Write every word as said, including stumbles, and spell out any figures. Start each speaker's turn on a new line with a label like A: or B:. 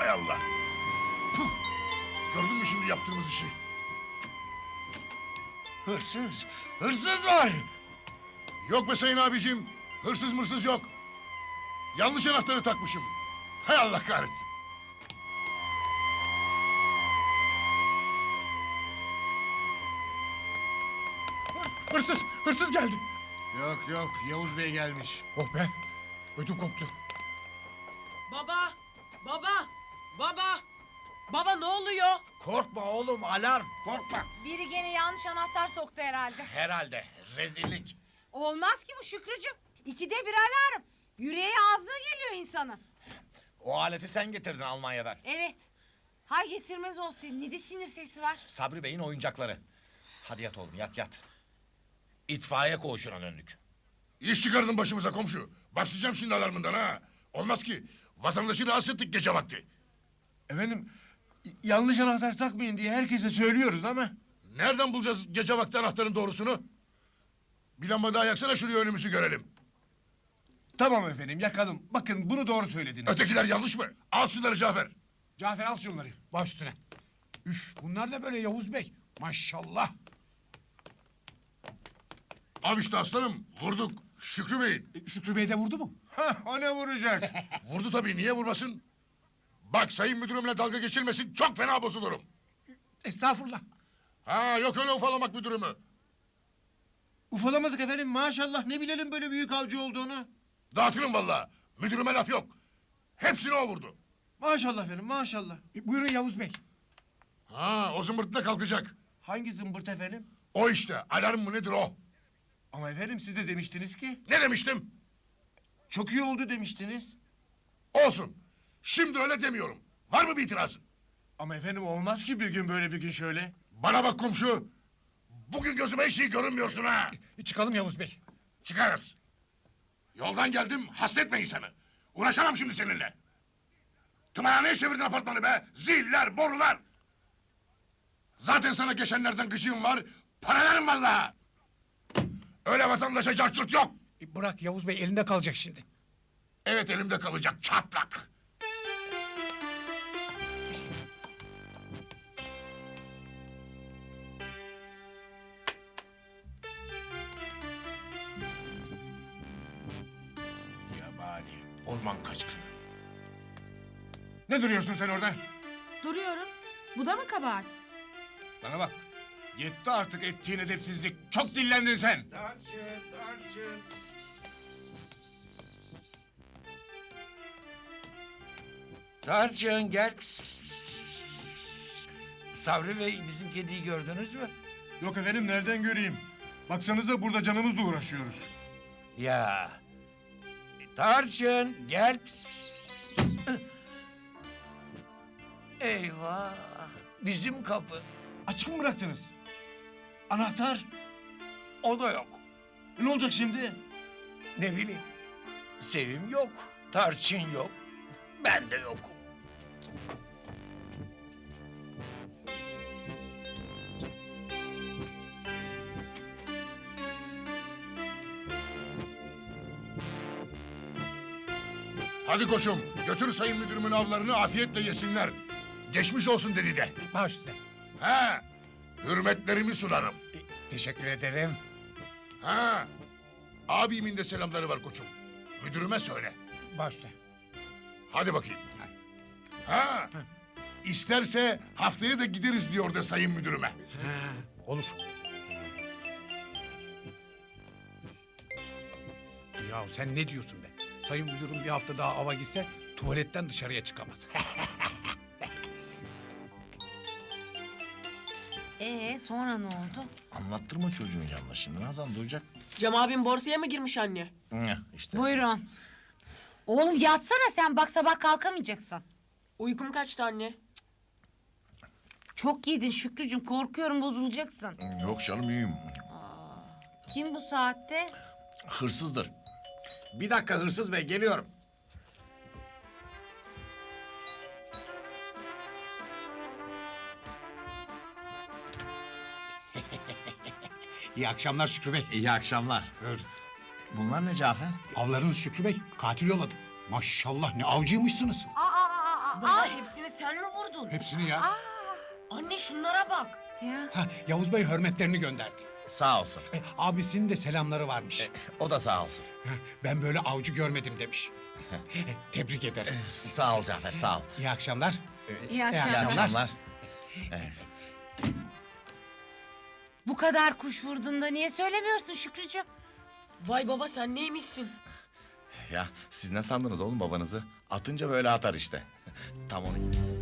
A: Hay Allah. Puh. Gördün mü şimdi yaptığımız işi? Hırsız. Hırsız var. Yok be sayın abicim. Hırsız mırsız yok. Yanlış anahtarı takmışım. Hay Allah kahretsin. Hırsız, hırsız geldi.
B: Yok yok, Yavuz Bey gelmiş.
A: Oh be, ödüm koptu.
C: Baba! Baba! Baba! Baba ne oluyor?
B: Korkma oğlum, alarm. Korkma.
D: Biri gene yanlış anahtar soktu herhalde.
B: Herhalde, rezillik.
D: Olmaz ki bu Şükrücüğüm. İkide bir alarm. Yüreği ağzına geliyor insanın.
B: O aleti sen getirdin Almanya'dan.
D: Evet. Hay getirmez olsun. Ne de sinir sesi var.
B: Sabri Bey'in oyuncakları. Hadi yat oğlum, yat yat. İtfaiye koğuşuna döndük.
A: İş çıkardın başımıza komşu. Başlayacağım şimdi alarmından ha. Olmaz ki. Vatandaşı rahatsız ettik gece vakti.
E: Efendim, yanlış anahtar takmayın diye herkese söylüyoruz ama...
A: Nereden bulacağız gece vakti anahtarın doğrusunu? Bir lamba daha yaksana şuraya önümüzü görelim.
E: Tamam efendim, yakalım. Bakın bunu doğru söylediniz.
A: Ötekiler yanlış mı? Al şunları Cafer.
E: Cafer al şunları.
F: Baş üstüne. Üf, bunlar da böyle Yavuz Bey. Maşallah.
A: Al işte aslanım. Vurduk. Şükrü Bey'in.
F: E, Şükrü Bey de vurdu mu?
E: Hah, o ne vuracak?
A: Vurdu tabii. Niye vurmasın? Bak sayın müdürümle dalga geçirmesin. Çok fena bozulurum.
F: Estağfurullah.
A: Ha yok öyle ufalamak müdürümü.
E: Ufalamadık efendim, maşallah. Ne bilelim böyle büyük avcı olduğunu.
A: Dağıtırım vallahi. Müdürüme laf yok. Hepsini o vurdu.
E: Maşallah efendim, maşallah.
F: E, buyurun Yavuz Bey.
A: Ha o zımbırtı da kalkacak.
E: Hangi zımbırt efendim?
A: O işte. Alarm mı nedir o?
E: Ama efendim siz de demiştiniz ki...
A: Ne demiştim?
E: Çok iyi oldu demiştiniz.
A: Olsun. Şimdi öyle demiyorum. Var mı bir itirazın?
E: Ama efendim olmaz ki bir gün böyle bir gün şöyle.
A: Bana bak komşu. Bugün gözüme hiç iyi görünmüyorsun ha.
F: E, çıkalım Yavuz Bey.
A: Çıkarız. Yoldan geldim, hasretme insanı. Uğraşamam şimdi seninle. Tımarhaneye çevirdin apartmanı be. Ziller, borular. Zaten sana geçenlerden gıcığım var. Paralarım vallahi. Öyle vatandaşa carçurt yok.
F: E, bırak Yavuz Bey, elinde kalacak şimdi.
A: Evet elimde kalacak çatlak.
B: Yabani, orman kaçkını.
E: Ne duruyorsun sen orada?
D: Duruyorum. Bu da mı kabahat?
E: Bana bak. Yetti artık ettiğin edepsizlik. Çok dillendin sen.
G: Tarçın gel. Pis, pis, pis, pis, pis. Sabri Bey bizim kediyi gördünüz mü?
E: Yok efendim, nereden göreyim? Baksanıza burada canımızla uğraşıyoruz.
G: Ya. Tarçın gel. Pis, pis, pis, pis. Eyvah. Bizim kapı.
E: Açık mı bıraktınız? Anahtar.
G: O da yok.
E: Ne olacak şimdi?
G: Ne bileyim. Sevim yok. Tarçın yok. Ben de yokum.
A: Hadi koçum, götür sayın müdürümün avlarını afiyetle yesinler. Geçmiş olsun dedi de.
F: E, baş üstüne.
A: Ha, hürmetlerimi sunarım.
F: E, teşekkür ederim.
A: Ha, abimin de selamları var koçum. Müdürüme söyle.
F: Baş üstüne.
A: Hadi bakayım. Ha, isterse haftaya da gideriz diyor da sayın müdürüme.
F: Ha, olur. Ya sen ne diyorsun be? Sayın müdürüm bir hafta daha ava gitse tuvaletten dışarıya çıkamaz.
D: Ee sonra ne oldu?
B: Anlattırma çocuğun yanına şimdi, Nazan duyacak.
C: Cem abim borsaya mı girmiş anne?
B: Hı, işte.
D: Buyurun. Oğlum yatsana sen, bak sabah kalkamayacaksın.
C: Uykum kaçtı anne.
D: Çok yedin Şükrücüğüm, korkuyorum bozulacaksın.
B: Yok canım, iyiyim.
D: Kim bu saatte?
B: Hırsızdır. Bir dakika hırsız bey, geliyorum.
F: İyi akşamlar Şükrü Bey.
B: İyi akşamlar.
F: Buyurun.
B: Bunlar ne Cafer?
F: Avlarınız Şükrü Bey. Katil yolladı. Maşallah ne avcıymışsınız.
D: Aa, aa, aa,
C: Baba hepsini sen mi vurdun?
F: Hepsini ya.
C: Anne şunlara bak.
D: Ya.
F: Ha, Yavuz Bey hürmetlerini gönderdi.
B: Sağ olsun.
F: E, abisinin de selamları varmış.
B: O da sağ olsun.
F: Ha, ben böyle avcı görmedim demiş. E, Tebrik ederim.
B: Sağ ol Cafer, sağ ol.
F: İyi akşamlar.
D: İyi
B: İyi
D: akşamlar.
B: akşamlar.
D: Bu kadar kuş vurduğunda niye söylemiyorsun Şükrücüğüm?
C: Vay baba sen neymişsin?
B: Ya siz ne sandınız oğlum babanızı? Atınca böyle atar işte. Tam onu...